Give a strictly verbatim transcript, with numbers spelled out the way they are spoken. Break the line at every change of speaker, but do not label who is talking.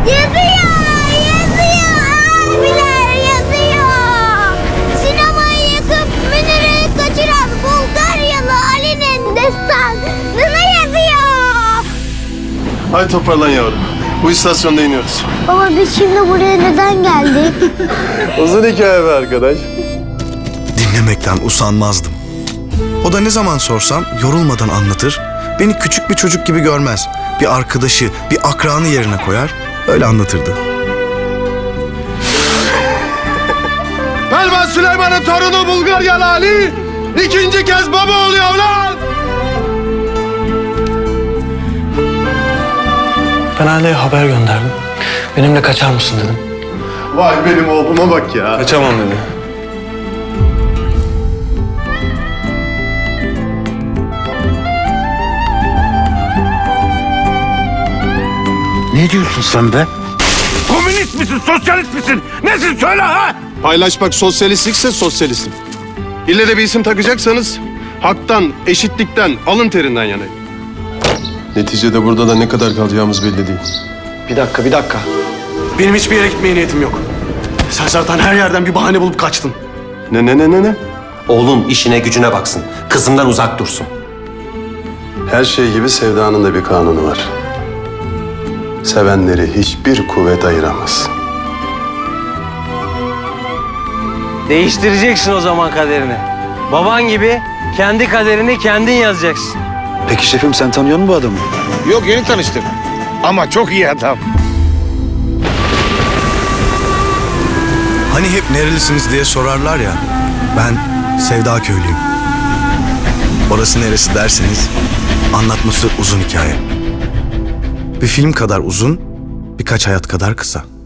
Yazıyor, yazıyor. Abiler yazıyor. Sinemayı yakıp Münir'i kaçıran Bulgaryalı Ali'nin destanını yazıyor.
Hadi toparlan yavrum. Bu istasyonda iniyoruz.
Baba biz şimdi buraya neden geldik?
Uzun hikaye be arkadaş.
Dinlemekten usanmazdım. O da ne zaman sorsam yorulmadan anlatır, beni küçük bir çocuk gibi görmez. Bir arkadaşı, bir akranı yerine koyar, öyle anlatırdı.
Pelvan Süleyman'ın torunu Bulgaryalı Ali ikinci kez baba oluyor lan!
Ben aileye haber gönderdim. Benimle kaçar mısın dedim.
Vay benim oğluma bak ya.
Kaçamam dedi.
Ne diyorsun sen be?
Komünist misin, sosyalist misin? Nesin söyle ha?
Paylaşmak sosyalistlikse sosyalistim. İlle de bir isim takacaksanız haktan, eşitlikten, alın terinden yanayım. Neticede burada da ne kadar kalacağımız belli değil.
Bir dakika, bir dakika. Benim hiçbir yere gitmeye niyetim yok. Sen zaten her yerden bir bahane bulup kaçtın.
Ne ne ne ne ne?
Oğlun işine gücüne baksın. Kızımdan uzak dursun.
Her şey gibi sevdanın da bir kanunu var. Sevenleri hiçbir kuvvet ayıramaz.
Değiştireceksin o zaman kaderini. Baban gibi kendi kaderini kendin yazacaksın.
Peki şefim, sen tanıyor musun bu adamı?
Yok, yeni tanıştık. Ama çok iyi adam.
Hani hep nerelisiniz diye sorarlar ya. Ben Sevda köylüyüm. Orası neresi derseniz anlatması uzun hikaye. Bir film kadar uzun, birkaç hayat kadar kısa.